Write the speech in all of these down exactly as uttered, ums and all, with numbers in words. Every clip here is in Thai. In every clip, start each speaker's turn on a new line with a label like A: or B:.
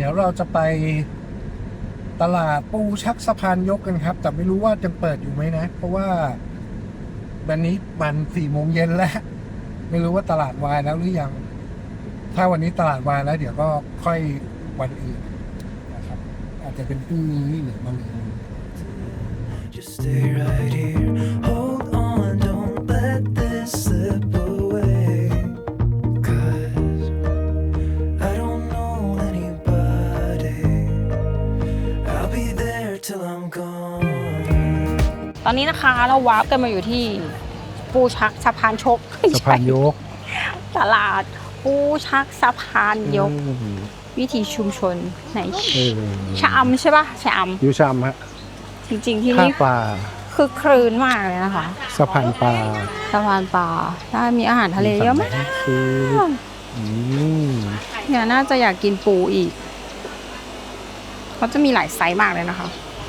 A: ดี๋ยวเราจะไปตลาดปูชักสะพานยกกันครับ แต่ไม่รู้ว่าจะเปิดอยู่ไหมนะ เพราะว่าวันนี้มันสี่โมงเย็นแล้ว ไม่รู้ว่าตลาดวายแล้วหรือยัง ถ้าวันนี้ตลาดวายแล้ว เดี๋ยวก็ค่อยวันอื่นนะครับ อาจจะเป็นพรุ่งนี้หรือวันอื่น
B: Just stay right here. Hold on, don't let this slip away. 'Cause I don't know anybody. I'll be there till I'm gone.
C: ตอนนี้นะคะเราวาร์ปกันมาอยู่ที่ปูชักสะพานชก
A: สะพานยก
C: ตลาดปูชักสะพานยก
A: อืม
C: วิถีชุมชนไหน
A: เออ
C: ชะอำใช่ปะชะอ
A: ยูชามฮะ
C: ำจริงๆที่
A: ท่า
C: นี่
A: ปลา
C: คือครื้นมากเลยนะคะ
A: สะพานปลา
C: สะพานปลาถ้ามีอาหารทะเลเยอะมาก
A: คืออืม
C: เนี่ยน่าจะอยากกินปูอีกเขาจะมีหลายไซส์มากเลยนะคะ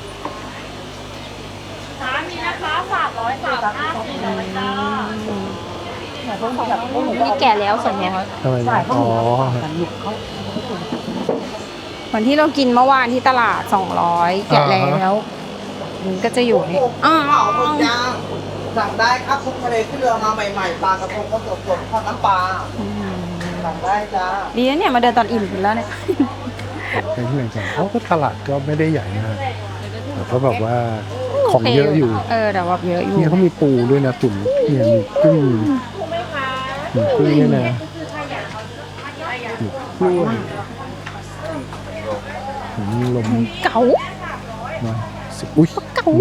C: มีนะคะสามร้อยสามห้าสี่ร้อยจ้านี่แก่แล้วส่วนเนี้ย
A: ทำไมนะอ๋อ
C: วันที่เรากินเมื่อวานที่ตลาดสองร้อยแกะแล้วมันก็จะอยู่นี่อ้าว
D: เผาหมึกย่างสั่งได้ครับทุกทะเลที่เรือมาใหม่ๆปลากระพงก็สดๆทอดน้ำปลาสั่งได้จ้า
C: ดีนะเนี่ยมาเดินตอนอิ่มกันแล้วเนี่ย
A: เป็นที่ไหนกันเขาก็ตลาดก็ไม่ได้ใหญ่มากแต่ก็แบบว่าของเยอะอยู่
C: เออแต่ว่าเยอะอยู่
A: เนี่ยเขามีปูด้วยนะตุ่มเนี่ยมีกุ้งมีกุ้งเนี่ยนะมีกล้วยมีลม
C: เก๋า
A: มาสิอุ้ย
C: เก๋า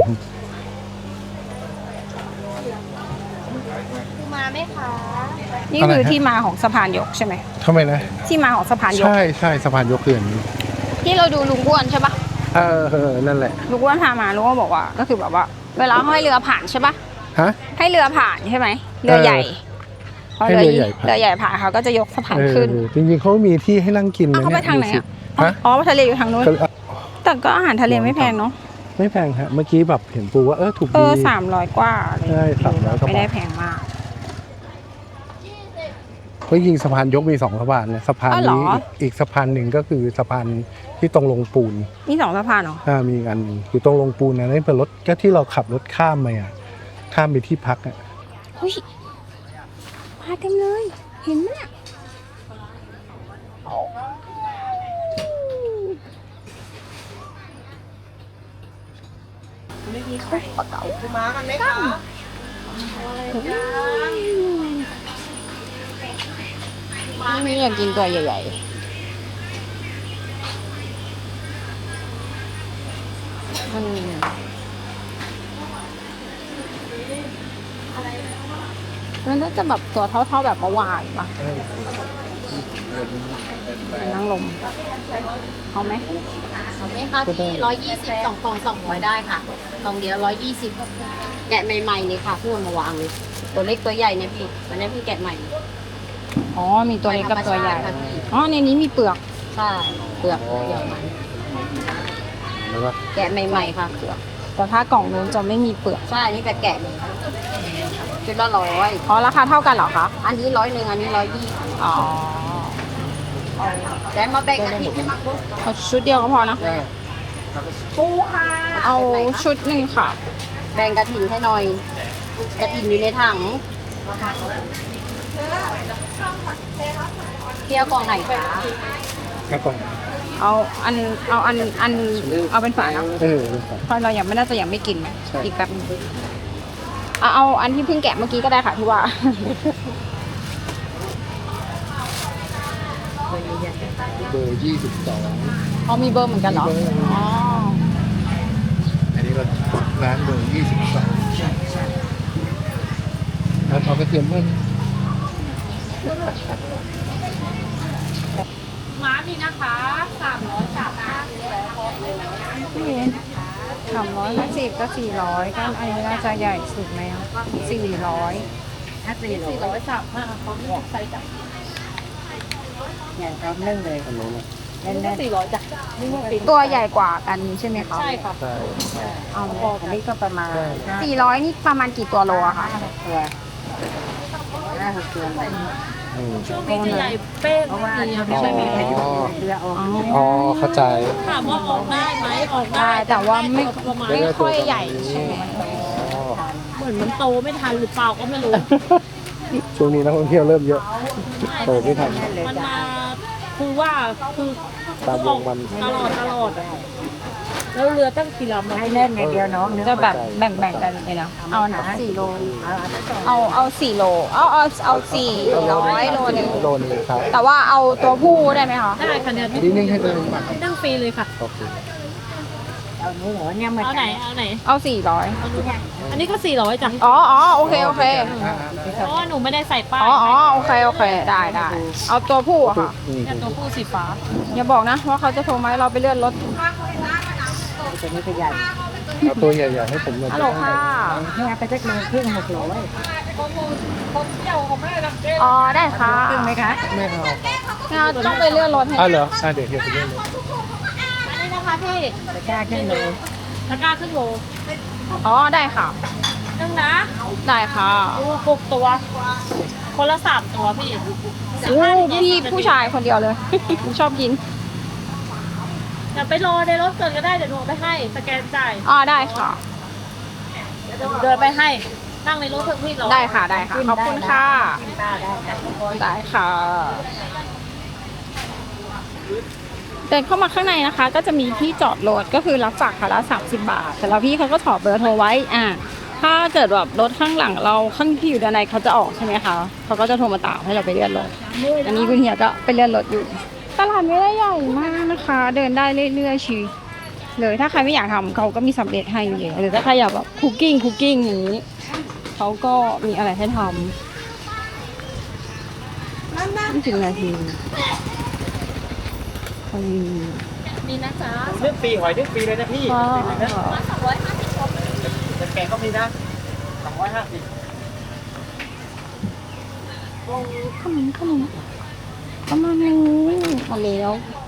E: มาไหมคะ
C: นี่คือที่มาของสะพานยกใช่ไหม
A: ทำไมนะ
C: ที่มาของสะพานยก
A: ใช่ใช่สะพานยกเขื่อนนี้
C: ที่เราดูลุงอ้วนใช่ปะ
A: เออเออนั่นแหละ
C: ลุงอ้วนพามาลุงอ้วนบอกว่าก็คือแบบว่า เวลาห้อยเรือผ่านใช่ปะ
A: ฮะ
C: ให้เรือผ่านใช่ไหมเรือใหญ่พอ
A: ให้เรือใหญ่ผ่าน
C: เรือใหญ่ผ่านเขาก็จะยกสะพาน
A: เอ
C: ขึ้น
A: อจริงๆเขามีที่ให้นั่งกิน
C: อ้าว
A: นะ
C: เขาไปทางไหน
A: ดูสิ
C: อ่ะ
A: ฮะ
C: อ๋อทะเลอยู่ทางนู้น
A: ก็เลย
C: แต่ก็อาหารทะเลไม่แพงเนาะ
A: ไม่แพงฮะเมื่อกี้แบบเห็นปูว่าเออถูก
C: เอ
A: ดี
C: อสามร้อยกว่าอะไร
A: ใช่สามร้อยกว่าบาท
C: ไม่ได้แพงมาก
A: เพราะจริงๆสะพานยกมีสองสะพานนะสะพาน
C: อ้าวเหรอ
A: นี้อีกอีกสะพานหนึ่งก็คือสะพานที่ตรงลงปูน
C: มีสองสะพานเหรอ
A: อ่ามีอีกอันหนึ่งอยู่ตรงลงปูนนะนั่นเป็นรถก็ที่เราขับรถข้ามมาอ่ะข้ามไปที่พักอ่ะ
C: เฮ้ยมาเต็มเลย เห็นไหมเนี่ย
D: คือม้ากันไหมคะ
C: นี่อยากกินตัวใหญ่ๆมันมันก็จะแบบตัวเท่าๆแบบเมื่อวานปะนั่งลมเอาไหม
E: เอาไหมคะที่ร้อยยี่สิบสองกล่องสองร้อยได้ค่ะกล่องเดียวร้อยยี่สิบแกะใหม่ๆเลยค่ะเพื่อนมาวางเลย ตัวเล็กตัวใหญ่เนี่ยพี่วันนี้พี่แกะใหม่
C: อ๋อ มีตัวเล็กกับตัวใหญ่
E: ธรรมชาติค่ะพี่
C: อ๋อ ในนี้มีเปลือก
E: ใช่เปลือกเปลือกมัน
A: แล้วก็
E: แกะใหม่ๆค่ะเปลือก
C: แต่ถ้ากล่องนู้นจะไม่มีเปลือก
E: ใช่นี่แต่แกะเลยชุดละร้อย
C: อ๋อ ราคาเท่ากันเหรอคะ
E: อันนี้ร้อยหนึ่งอันนี้ร้อยยี่
C: อ๋อ
E: แต่มาแบ่งกันที่มาปุ๊บ
C: เอาชุดเดียวก็พอนะ
E: ปูค่ะ
C: เอาชุดหนึ่งค่ะ
E: แบ่งกระถิ่นให้หน่อยกระถิ่นอยู่ในถังเที่ยวกล่องไหนคะ
A: แค่กล่อง
C: เอาอัน เอาอัน อัน เอาเป็นฝานะ
A: เออเป็นฝา
C: เพราะเรายังไม่น่าจะยังไม่กิน
A: ใช่
C: อีกแป๊บนึงเอาเอาอันที่เพิ่งแกะเมื่อกี้ก็ได้ค่ะที่ว่า
A: เบอร์ยี่สิบสอง
C: เอามีเบอร์เหมือนกันเหรอ อ๋อ
A: อันนี้เราร้านเบอร์ยี่สิบสองแล้วเอากระเทียมเพิ่ม
C: ม้ามีนะคะสามร้อยสามห้าสามร้อยห้าสิบก็สี่ร้อยก็อันนี้น่าจะใหญ่สุดไหมอ่ะสี่ร้อย
E: สี่ร้อยสามห้าเขาใส่จับเนี่ยเรานึ่งเลย
A: อันนู้นนะ
E: แน่นๆสี่ร้อยจ้ะนี่มันเป็น
C: ตัวใหญ่กว่ากันใช่ไหมคะ
E: ใช่ค่ะ
A: ใช่
C: เอา
E: พออันนี้ก็ประมาณ
C: สี่ร้อยนี่ประมาณกี่ตัวโลอะคะ
E: ตัวห้าหกตัวเลย
A: อืม
F: ช่วงนี้จะใหญ่เป้งเพราะว่า
A: อ๋อ
C: เรือออก
A: อ๋อเข้าใจ
F: ถามว่าออกได้ไหมออก
C: ได้
F: ได้
C: แต่ว่าไม่
F: ประมาณ
C: ไม่ค่อยใหญ่ใช่ไหม
A: อ๋อ
F: เหมือนมันโตไม่ทันหรือเปล่าก็ไม่รู้
A: ช่วงนี้นักท่องเที่ยวเริ่มเยอะโตไม่ทัน
F: มันมาคือว่าคือ
A: ตามวงมัน
F: ตลอดตลอดแล้วเรือตั้งกี่ลำให้แน่นไงเดียวน้อง
C: จะแบบแบ่งๆกันเลยนะเอาหนาสี่โลเอาเอาสี่โลเอาเอาเอาสี่ร้อยโลหนึง
A: โลนึงครับ
C: แต่ว่าเอาตัวผู้ได้ไหมคะ
F: ได้ค่ะเนี่ย
A: นี่นิ่งให้ตัวเองมา
F: นั่งฟรีเลยค่ะ
A: โอเค
F: เอาไหนเอาไหน
C: เอาสี่ร้อย
F: อันนี้ก็สี่ร้อยจ้ะ
C: อ๋ออ๋อโอเคโอเค
F: เพราะว่าหนูไม่ได้ใส่ป้าย
C: อ๋ออ๋อโอเคโอเคได้ได้เอาตัวผู้อะค่ะ
A: อืม
F: เนี่ยตัวผู้สีฟ้า
C: อย่าบอกนะว่าเขาจะโทรมาให้เราไปเลื่อนรถ
A: เอาตัวใหญ่ๆให้ผมหน่อย
C: ฮัลโหลค่ะ
G: แม่ไปจักโลครึ่งหกร้อย
C: อ๋อได้ค่ะ
G: ครึ่งไหมคะ
A: ไม่เอา
C: งั้นต้องไปเลื่อนรถให้
A: อ่ะเหรออ่ะเดี๋ยวเดี๋ยวไปเรื่อยเลย
F: อันนี้นะคะพี่
G: ตะกร้าครึ่งโล
F: ตะกร้าครึ่งโล
C: อ๋อได้ค่ะ
F: นึ่งนะ
C: ได้ค่ะ
F: ดูหกตัว คนละสามตัวพี่
C: อู้พี่ผู้ชายคนเดียวเลย ชอบกิน
F: เดี๋ยวไปรอในรถก่อนก็ได้เดี๋ยวหนูเอาไปให้สแกนจ่าย
C: อ๋อได้ค่ะ
F: เดินไปให้ นั่งในรถเถอะพี่รอ
C: ได้ค่ะได้ค่ะขอบคุณค่ะ ได้ค่ะ เดินเข้ามาข้างในนะคะ ก็จะมีที่จอดรถก็คือรับฝากคันละสามสิบบาท แต่แล้วพี่เขาก็ถอดเบอร์โทรไว้อ่าถ้าเกิดแบบรถข้างหลังเราข้างที่อยู่ด้านในเขาจะออกใช่ไหมคะเขาก็จะโทรมาตามให้เราไปเลื่อนรถอันนี้คุณเฮียก็ไปเลื่อนรถอยู่ ตลาดไม่ได้ใหญ่มากนะคะ เดินได้เรื่อยๆชีวิตเลยถ้าใครไม่อยากทำเขาก็มีสำเร็จให้อยู่แล้วหรือถ้าใครอยากแบบคุกกิ้งคุกกิ้งอย่างนี้เขาก็มีอะไรให้ทำไม่ถึงนาทีพอดี
F: นี่นะจ๊ะ
D: เรื่องฟรีหอยเรื่องฟรีเลยนะพี่
C: ก็
F: สองร้อยห้าสิบชม
D: แต่แกงก็มีนะสองร้อยห้าสิบ
C: ขนมขนมประมาณนี้หมดแล้ว